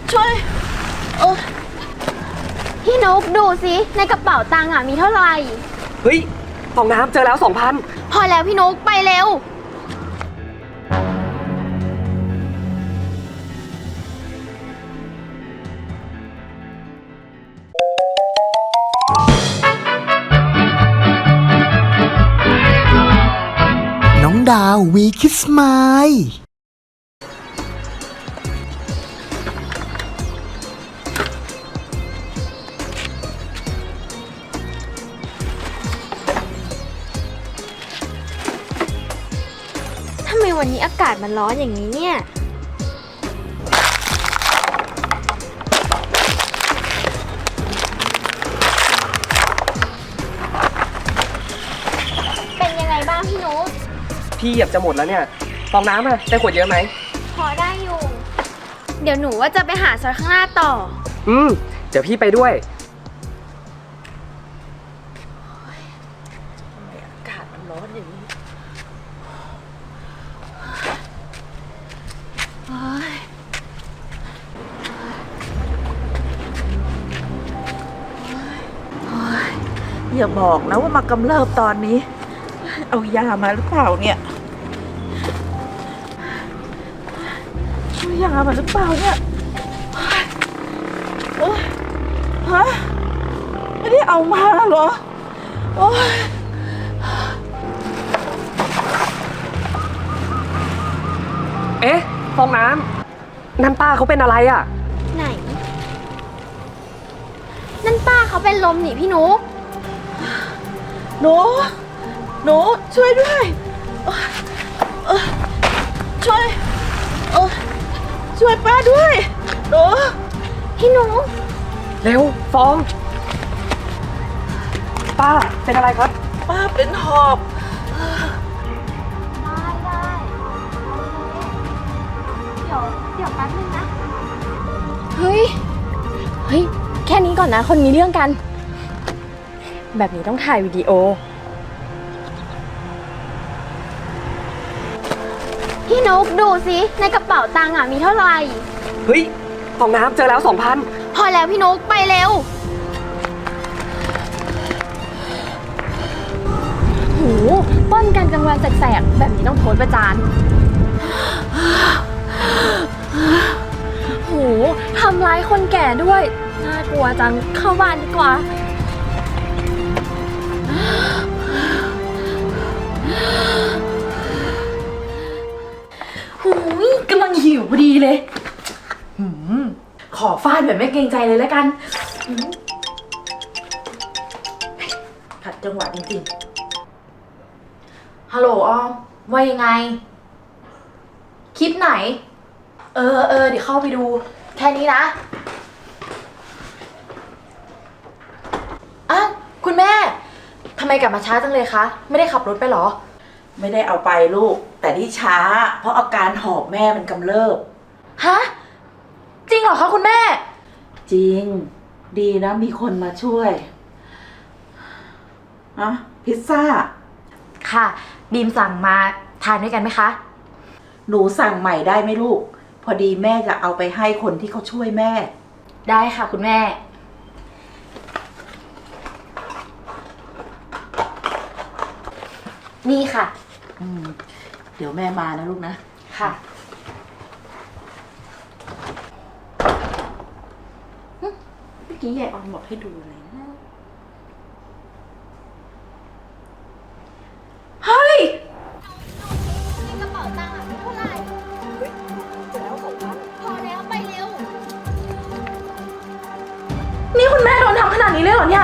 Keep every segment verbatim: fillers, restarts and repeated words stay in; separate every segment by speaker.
Speaker 1: ช่วยเออพี่นุ๊กดูสิในกระเป๋าตังค์อ่ะมีเท่าไหร่
Speaker 2: เฮ้ยฟองน้ำเจอแล้วสองพัน
Speaker 1: พอแล้วพี่นุ๊กไปเร็ว
Speaker 3: น้องดาววีคิสมาย
Speaker 1: ทำไมวันนี้อากาศมันร้อนอย่างนี้เนี่ยเป็นยังไงบ้างพี่นุ๊ก
Speaker 2: พี่เหยียบจะหมดแล้วเนี่ยฟองน้ำอะได้ขวดเยอะไหม
Speaker 1: พอได้อยู่ เดี๋ยวหนูว่าจะไปหาซอยข้างหน้าต่อ
Speaker 2: อืมเดี๋ยวพี่ไปด้วยทำไมอากาศมันร้อนอย่างนี้
Speaker 4: อย่าบอกนะว่ามากำเริบตอนนี้เอายามาหรือเปล่าเนี่ยเอายามาหรือเปล่าเนี่ยโอ๊ยฮะไม่ได้เอามาเหรอโอ๊ย
Speaker 2: เอ๊ะฟองน้ำนั่นป้าเขาเป็นอะไรอ่ะ
Speaker 1: ไหนนั่นป้าเขาเป็นลมนี่พี่นุ๊ก
Speaker 4: หนูหนูช่วยด้วยเออช่วยเออช่วยป้าด้วยหนู
Speaker 1: พี่นุ๊ก
Speaker 2: เร็วฟองป้าเป็นอะไรครับ
Speaker 4: ป้าเป็นหอบ
Speaker 1: ได้ได้เดี๋ยวเดี๋ยวแป๊บนึงนะเฮ้ยเฮ้ยแค่นี้ก่อนนะคนมีเรื่องกันแบบนี้ต้องถ่ายวิดีโอพี่นุ๊กดูสิในกระเป๋าตังค์อ่ะมีเท่าไหร่
Speaker 2: เฮ้ยฟองน้ำเจอแล้วสองพัน
Speaker 1: พอแล้วพี่นุ๊กไปเร็วโหปล้นกันกลางวันแสกๆแบบนี้ต้องโพสต์ประจานโหทำร้ายคนแก่ด้วยน่ากลัวจังเข้าบ้านดีกว่า
Speaker 5: หูยกำลังหิวพอดีเลยหืมขอฟาดแบบไม่เกรงใจเลยแล้วกันขัดจังหวะจริงๆฮัลโหลออมว่ายังไงคลิปไหนเออเออเดี๋ยวเข้าไปดูแค่นี้นะอ้าวคุณแม่ทำไมกลับมาช้าจังเลยคะไม่ได้ขับรถไปหรอ
Speaker 4: ไม่ได้เอาไปลูกแต่ที่ช้าเพราะอาการหอบแม่มันกำเริบ
Speaker 5: ฮะจริงเหรอคะคุณแม่
Speaker 4: จริงดีนะมีคนมาช่วยอะพิซซ่า
Speaker 5: ค่ะบีมสั่งมาทานด้วยกันไหมคะ
Speaker 4: หนูสั่งใหม่ได้ไหมลูกพอดีแม่จะเอาไปให้คนที่เขาช่วยแม่
Speaker 5: ได้ค่ะคุณแม่นี่ค่ะ
Speaker 4: อืมเดี๋ยวแม่มานะลูกนะ
Speaker 5: ค่ะ
Speaker 4: เมื่อกี้ยายออนบอกให้ดูอะไรนะเฮ้ย
Speaker 1: ในกระเป๋าตังค์อ่ะมีเท่าไหร่เฮ้ยเจอแล้วสองพันพอแล้วไปเร็ว
Speaker 5: นี่คุณแม่โดนทำขนาดนี้เลยเหรอเนี่ย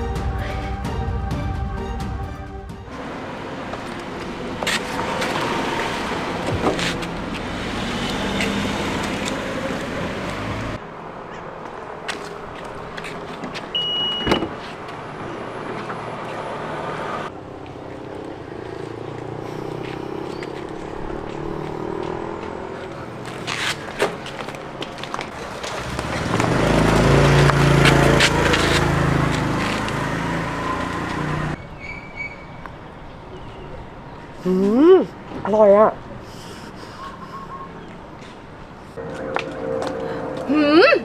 Speaker 2: อืมอร่อยอ่ะ
Speaker 1: หืม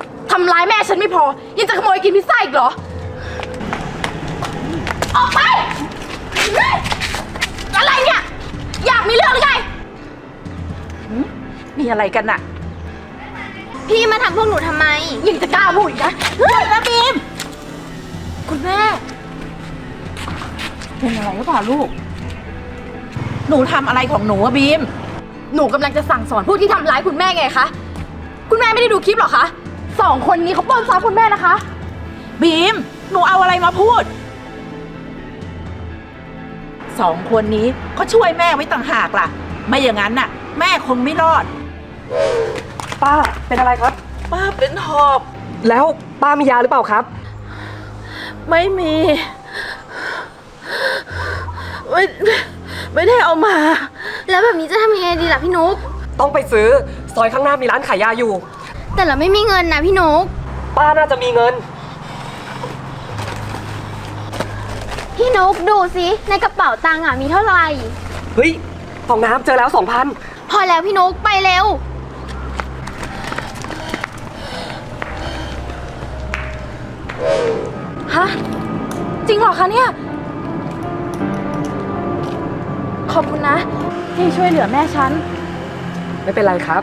Speaker 1: แม่ฉันไม่พอ ยังจะขโมยกินพิซซ่าอีกเหรอ ออกไปเฮ้ยอะไรเนี่ย อยากมีเรื่องหรือไง
Speaker 4: มีอะไรกันน่ะ
Speaker 1: พี่มาทำพวกหนูทำไม ยังจะกล้าพูดอีกนะเฮ้ยนะบีม คุณแม่
Speaker 4: เป็นอะไรหรือเปล่าลูก หนูทำอะไรของหนูอะบีม
Speaker 1: หนูกำลังจะสั่งสอนผู้ที่ทำร้ายคุณแม่ไงคะ คุณแม่ไม่ได้ดูคลิปหรอคะ สองคนนี้เขาปล้นทรัพย์คุณแม่นะคะ
Speaker 4: บีม หนูเอาอะไรมาพูด สองคนนี้ก็ช่วยแม่ไว้ต่างหากล่ะ ไม่อย่างนั้นน่ะ แม่คงไม่รอด
Speaker 2: ป้าเป็นอะไรครับ
Speaker 4: ป้าเป็นหอบ
Speaker 2: แล้วป้ามียาหรือเปล่าครับ
Speaker 4: ไม่มี ไม่ไม่ได้เอามา
Speaker 6: แล้วแบบนี้จะทำยังไงดีล่ะพี่นุ๊ก
Speaker 2: ต้องไปซื้อซอยข้างหน้ามีร้านขายยาอยู่
Speaker 6: แต่เราไม่มีเงินนะพี่นุ๊ก
Speaker 2: ป้าน่าจะมีเงิน
Speaker 6: พี่นุ๊กดูสิในกระเป๋าตังค์อ่ะมีเท่าไหร่
Speaker 2: เฮ้ยฟองน้ำเจอแล้วสองพัน
Speaker 6: พอแล้วพี่นุ๊กไปเร็ว
Speaker 1: ฮะ จริงเหรอคะเนี่ย ขอบคุณนะ ที่ช่วยเหลือแม่ฉัน
Speaker 2: ไม่เป็นไรครับ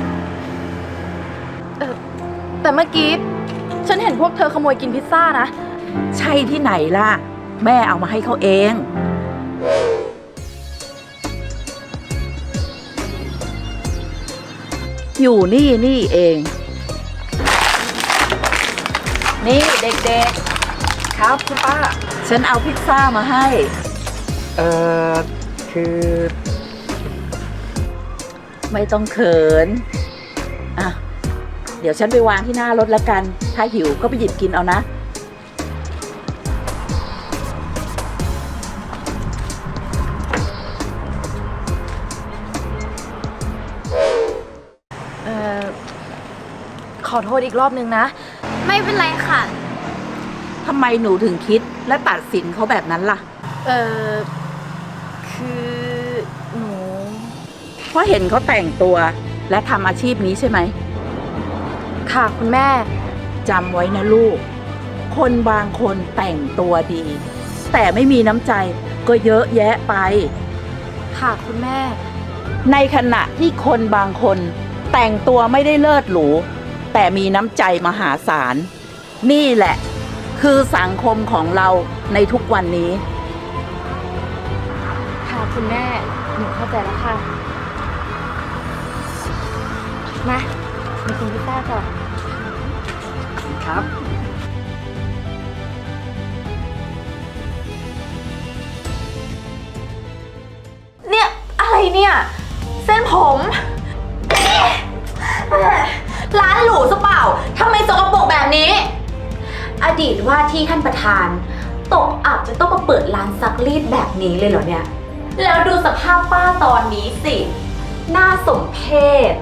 Speaker 1: เออแต่เมื่อกี้ ฉันเห็นพวกเธอขโมยกินพิซซ่านะ
Speaker 4: ใช่ที่ไหนล่ะ แม่เอามาให้เขาเอง อยู่นี่นี่เอง นี่เด็ก
Speaker 2: ครับคุณป้า
Speaker 4: ๆ ฉันเอาพิซซ่ามาให้
Speaker 2: เอ่อ คือ
Speaker 4: ไม่ต้องเขิน อ่ะ เดี๋ยวฉันไปวางที่หน้ารถแล้วกัน ถ้าหิวก็ไปหยิบกินเอานะ
Speaker 1: เอ่อ ขอโทษอีกรอบนึงนะ
Speaker 6: ไม่เป็นไรค่ะ
Speaker 4: ทำไมหนูถึงคิดและตัดสินเขาแบบนั้นล่ะ
Speaker 1: เอ่อ คือหนู
Speaker 4: เพราะเห็นเขาแต่งตัวและทำอาชีพนี้ใช่ไหม
Speaker 1: ค่ะคุณแม่
Speaker 4: จำไว้นะลูก คนบางคนแต่งตัวดี แต่ไม่มีน้ำใจก็เยอะแยะไป
Speaker 1: ค่ะคุณแม่
Speaker 4: ในขณะที่คนบางคนแต่งตัวไม่ได้เลิศหรูแต่มีน้ำใจมหาศาล นี่แหละ คือสังคมของเราในทุกวันนี้
Speaker 1: ค่ะคุณแม่ หนูเข้าใจแล้วค่ะ มามากินพิซซ่าก่อน
Speaker 2: ครับ
Speaker 1: เนี่ย อะไรเนี่ย เส้นผม
Speaker 5: ร้านหรูซะเปล่าทำไมสกปรกแบบนี้ อดีตว่าที่ท่านประธาน ตกอับจะต้องมาเปิดร้านซักรีดแบบนี้เลยเหรอเนี่ย แล้วดูสภาพป้าตอนนี้สิ น่าสมเพช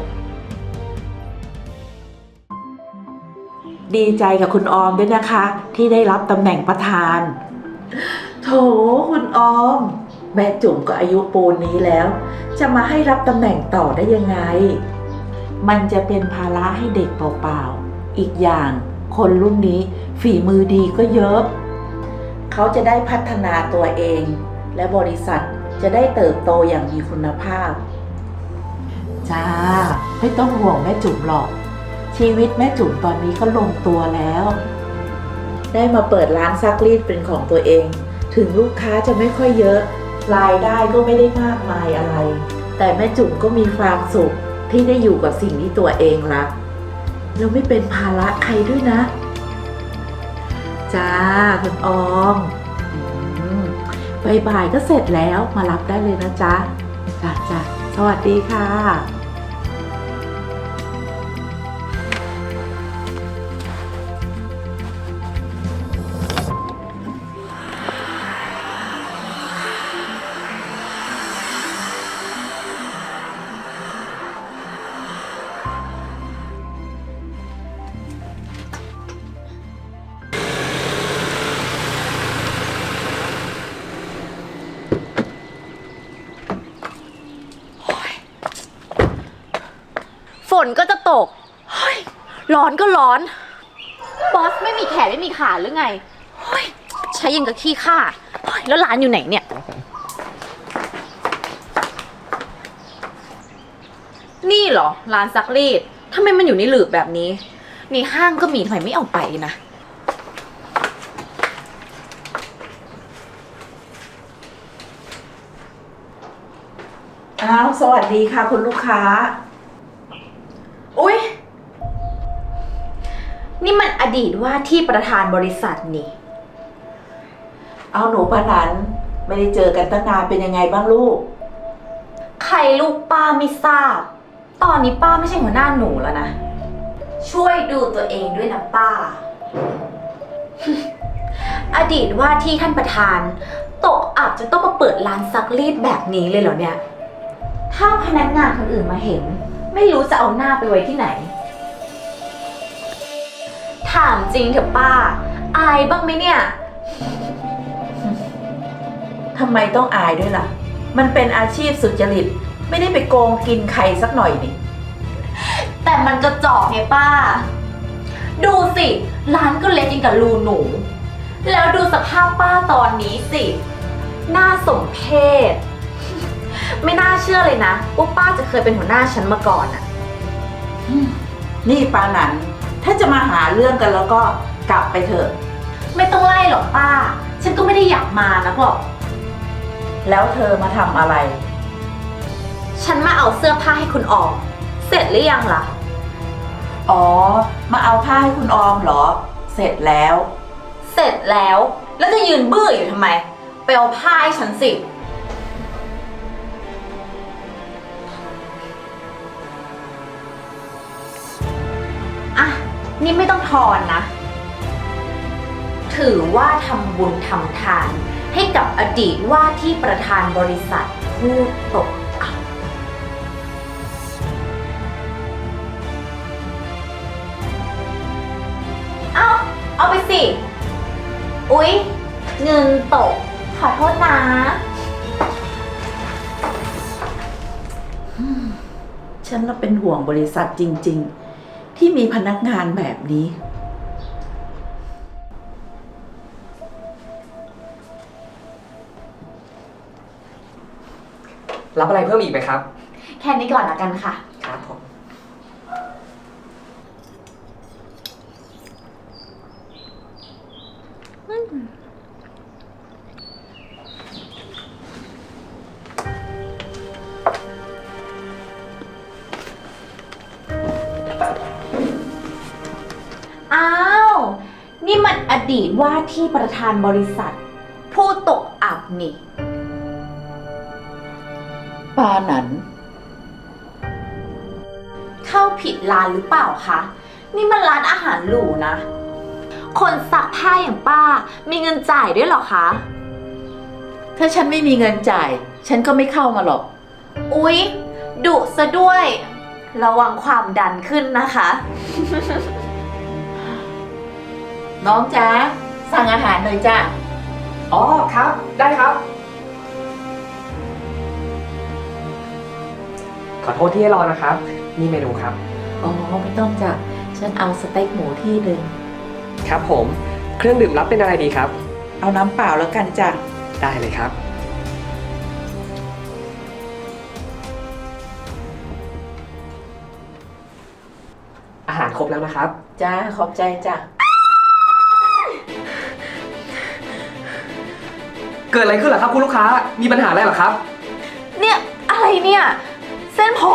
Speaker 4: ดีใจกับคุณออมด้วยนะคะ ที่ได้รับตำแหน่งประธาน โถคุณออม แม่จุ๋มก็อายุปูนนี้แล้ว จะมาให้รับตำแหน่งต่อได้ยังไง มันจะเป็นภาระให้เด็กเปล่าๆ อีกอย่างคนรุ่นนี้ฝีมือดีก็เยอะ เขาจะได้พัฒนาตัวเอง และบริษัทจะได้เติบโตอย่างมีคุณภาพ จ้า ไม่ต้องห่วงแม่จุ๋มหรอก ชีวิตแม่จุ๋มตอนนี้ก็ลงตัวแล้ว ได้มาเปิดร้านซักรีดเป็นของตัวเอง ถึงลูกค้าจะไม่ค่อยเยอะ รายได้ก็ไม่ได้มากมายอะไร แต่แม่จุ๋มก็มีความสุขที่ได้อยู่กับสิ่งที่ตัวเองรักแล้วไม่เป็นภาระใครด้วยนะ จ้าคุณออมอืมบ่ายๆก็เสร็จแล้วมารับได้เลยนะจ๊ะจ้าจ้าสวัสดีค่ะ
Speaker 1: ฝนก็จะตก เฮ้ย ร้อนก็ร้อน
Speaker 5: บอสไม่มีแขนไม่มีขาหรือไงเฮ้ยใช้ยังกับขี้ข้าเฮ้ยแล้วร้านอยู่ไหนเนี่ย นี่เหรอร้านซักรีดทำไมมันอยู่ในหลืบแบบนี้นี่ห้างก็มีทำไมไม่เอาไปนะ
Speaker 4: อ้าวสวัสดีค่ะคุณลูกค้า
Speaker 5: อุ๊ย นี่มันอดีตว่าที่ประธานบริษัทนี่
Speaker 4: เอาหนูปานันไม่ได้เจอกันตั้งนานเป็นยังไงบ้างลูก
Speaker 5: ใครลูกป้าไม่ทราบ ตอนนี้ป้าไม่ใช่หัวหน้าหนูแล้วนะ ช่วยดูตัวเองด้วยนะป้า อดีตว่าที่ท่านประธานตกอับจะต้องมาเปิดร้านซักรีดแบบนี้เลยเหรอเนี่ย ถ้าพนักงานคนอื่นมาเห็น ไม่รู้จะเอาหน้าไปไว้ที่ไหน ถามจริงเถอะป้า อายบ้างไหมเนี่ย
Speaker 4: ทำไมต้องอายด้วยล่ะ มันเป็นอาชีพสุจริต ไม่ได้ไปโกงกินใครสักหน่อยนี่
Speaker 5: แต่มันกระจอกไงป้า ดูสิ ร้านก็เล็กยิ่งกับรูหนู แล้วดูสภาพป้าตอนนี้สิ น่าสมเพช ไม่น่าเชื่อเลยนะว่าป้าจะเคยเป็นหัวหน้าฉันมาก่อนอะ
Speaker 4: นี่ปานันถ้าจะมาหาเรื่องกันแล้วก็กลับไปเถอะ
Speaker 5: ไม่ต้องไล่หรอกป้า ฉันก็ไม่ได้อยากมานะหรอก
Speaker 4: แล้วเธอมาทำอะไร
Speaker 5: ฉันมาเอาเสื้อผ้าให้คุณออม เสร็จหรือยังล่ะ
Speaker 4: อ๋อ มาเอาผ้าให้คุณออมเหรอ เสร็จแล้ว
Speaker 5: เสร็จแล้ว แล้วจะยืนบื้ออยู่ทำไม ไปเอาผ้าให้ฉันสิ อ่ะ นี่ไม่ต้องทอนนะ ถือว่าทำบุญทำทาน ให้กับอดีตว่าที่ประธานบริษัทผู้ตกอับ เอาเอาไปสิ อุ๊ย เงินตก ขอโทษนะ
Speaker 4: ฉันละเป็นห่วงบริษัทจริงๆ ที่มีพนักงานแบบนี้
Speaker 2: รับอะไรเพิ่มอีกไหมครับ
Speaker 5: แค่นี้ก่อนละกันค่ะ
Speaker 2: ครับผม
Speaker 5: อ้าว นี่มันอดีตว่าที่ประธานบริษัท ผู้ตกอับนี่
Speaker 4: ปานัน
Speaker 5: เข้าผิดร้านหรือเปล่าคะ นี่มันร้านอาหารหรูนะ คนซักผ้าอย่างป้า มีเงินจ่ายด้วยเหรอคะ
Speaker 4: ถ้าฉันไม่มีเงินจ่าย ฉันก็ไม่เข้ามาหรอก
Speaker 5: อุ๊ย ดุซะด้วย ระวังความดันขึ้นนะคะ
Speaker 4: น้องจ๊ะสั่งอาหารหน่อยจ้ะ
Speaker 2: อ๋อครับ ได้ครับ ขอโทษที่ให้รอนะครับ นี่เมนูครับ
Speaker 4: อ๋อไม่ต้องจ้ะ ฉันเอาสเต็กหมูที่หนึ่ง
Speaker 2: ครับผม เครื่องดื่มรับเป็นอะไรดีครับ
Speaker 4: เอาน้ำเปล่าแล้วกันจ้ะ
Speaker 2: ได้เลยครับ อาหารครบแล้วนะครับ
Speaker 4: จ้าขอบใจจ้ะ
Speaker 2: เกิดอะไรขึ้นเหรอครับคุณลูกค้า มีปัญหาอะไรเหรอครับ
Speaker 5: เนี่ย อะไรเนี่ย เส้นผม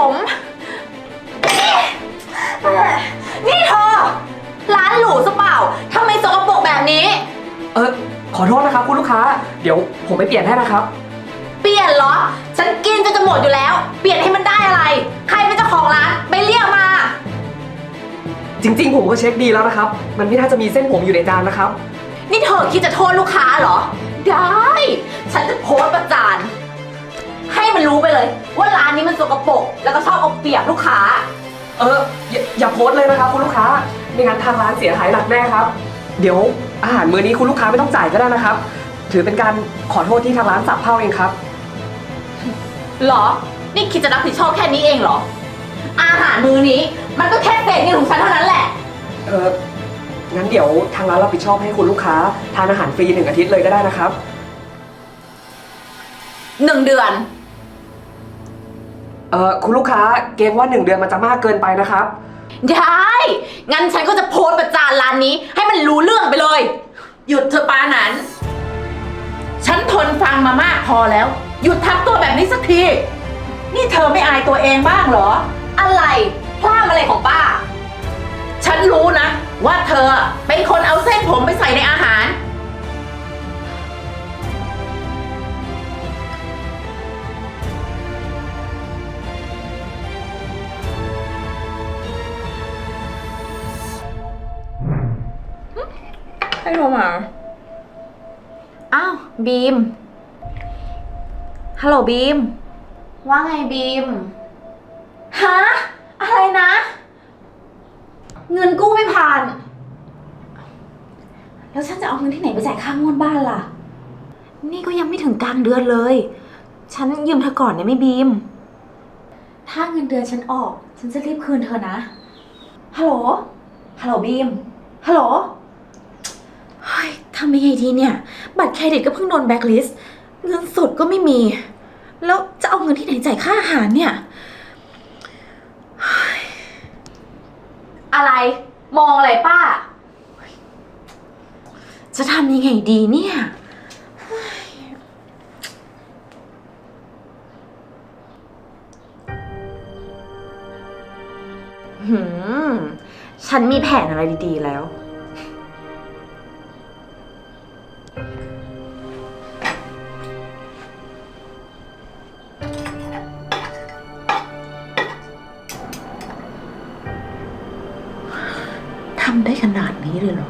Speaker 5: นี่เธอ ร้านหรูซะเปล่าทำไมสกปรกแบบนี้
Speaker 2: เออขอโทษนะครับคุณลูกค้า เดี๋ยวผมไปเปลี่ยนให้นะครับ
Speaker 5: เปลี่ยนเหรอ ฉันกินจนจะหมดอยู่แล้ว เปลี่ยนให้มันได้อะไร ใครเป็นเจ้าของร้าน ไปเรียกมา
Speaker 2: จริงๆผมก็เช็คดีแล้วนะครับ มันไม่น่าจะมีเส้นผมอยู่ในจานนะครับ
Speaker 5: นี่เธอคิดจะโทษลูกค้าเหรอ ได้ ฉันจะโพสต์ประจาน ให้มันรู้ไปเลย ว่าร้านนี้มันสกปรกแล้วก็ชอบเอาเปรียบลูกค้า
Speaker 2: เอออย่าอย่าโพสต์เลยนะครับคุณลูกค้า ไม่งั้นทางร้านเสียหายหนักแน่ครับ เดี๋ยวอาหารมื้อนี้คุณลูกค้าไม่ต้องจ่ายก็ได้นะครับ ถือเป็นการขอโทษที่ทางร้านสับเพ่าเองครับ
Speaker 5: เหรอ นี่คิดจะรับผิดชอบแค่นี้เองเหรอ อาหารมื้อนี้ มันก็แค่เศษเงินของฉันเท่านั้นแหละ
Speaker 2: เอองั้นเดี๋ยวทางร้านรับผิดชอบให้คุณลูกค้าทานอาหารฟรีหนึ่งอาทิตย์เลยก็ได้นะครับ
Speaker 5: หนึ่งเดือน
Speaker 2: เอ่อคุณลูกค้าเกรงว่าหนึ่งเดือนมันจะมากเกินไปนะครับ
Speaker 5: ได้ งั้นฉันก็จะโพสต์ประจานร้านนี้ ให้มันรู้เรื่องไปเลย
Speaker 4: หยุดเถอะปานันฉันทนฟังมามากพอแล้ว หยุดทำตัวแบบนี้สักที นี่เธอไม่อายตัวเองบ้างเหรอ
Speaker 5: อะไรพลาดอะไรของป้า
Speaker 4: ฉันรู้นะ ว่าเธอเป็นคนเอาเส้นผมไปใส่ในอาหาร
Speaker 1: ให้โทรมา
Speaker 5: อ้าว บีม ฮัลโหลบีม ว่าไงบีม ฮะ อะไรนะ เงินกู้ไม่ผ่าน แล้วฉันจะเอาเงินที่ไหนไปจ่ายค่างวดบ้านล่ะ นี่ก็ยังไม่ถึงกลางเดือนเลย ฉันยืมเธอก่อนได้ไหมบีม ถ้าเงินเดือนฉันออก ฉันจะรีบคืนเธอนะ ฮัลโหล ฮัลโหลบีม ฮัลโหล เฮ้ยทำยังไงดีเนี่ย บัตรเครดิตก็เพิ่งโดนแบล็คลิสต์ เงินสดก็ไม่มี แล้วจะเอาเงินที่ไหนจ่ายค่าอาหารเนี่ยเฮ้ยอะไร มองอะไรป้า จะทำยังไงดีเนี่ยเฮ้ยหืม ฉันมีแผนอะไรดีๆแล้ว
Speaker 4: ทำได้ขนาดนี้เลยเหรอ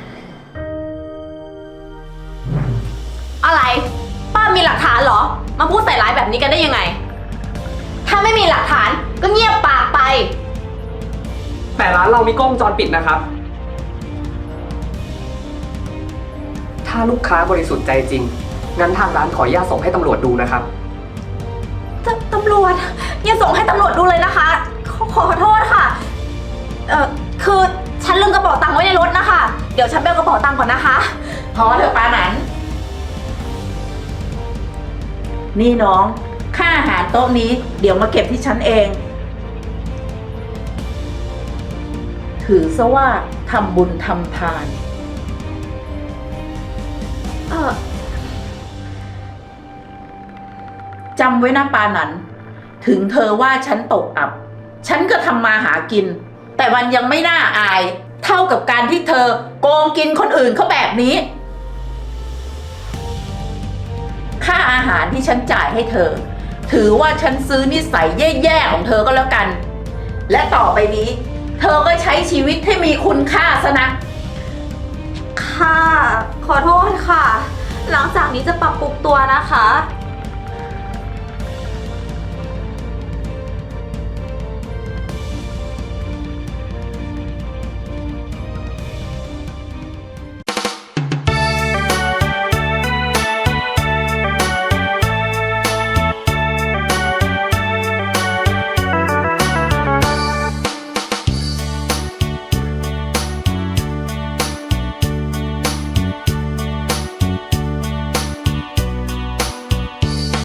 Speaker 5: อะไร ป้ามีหลักฐานเหรอ มาพูดใส่ร้ายแบบนี้กันได้ยังไง ถ้าไม่มีหลักฐานก็เงียบปากไป
Speaker 2: แต่ร้านเรามีกล้องวงจรปิดนะครับ ถ้าลูกค้าบริสุทธิ์ใจจริง งั้นทางร้านขออนุญาตส่งให้ตำรวจดูนะครับ
Speaker 5: ตตำรวจอย่าส่งให้ตำรวจดูเลยนะคะ ขอขอโทษค่ะ เอ่อ คือฉันลืมกระเป๋าตังค์ไว้ในรถนะคะ เดี๋ยวฉันไปเอากระเป๋าตังค์ก่อนนะคะ
Speaker 4: พอเถอะปานันนี่น้อง ค่าอาหารโต๊ะนี้เดี๋ยวมาเก็บที่ฉันเอง ถือซะว่าทำบุญทำทาน
Speaker 5: เออ
Speaker 4: จำไว้นะปานันถึงเธอว่าฉันตกอับ ฉันก็ทำมาหากิน แต่มันยังไม่น่าอาย เท่ากับการที่เธอโกงกินคนอื่นเขาแบบนี้ ค่าอาหารที่ฉันจ่ายให้เธอ ถือว่าฉันซื้อนิสัยแย่ๆของเธอก็แล้วกัน และต่อไปนี้ เธอก็ใช้ชีวิตให้มีคุณค่าซะนะ
Speaker 5: ค่ะ ขอโทษค่ะ หลังจากนี้จะปรับปรุงตัวนะคะ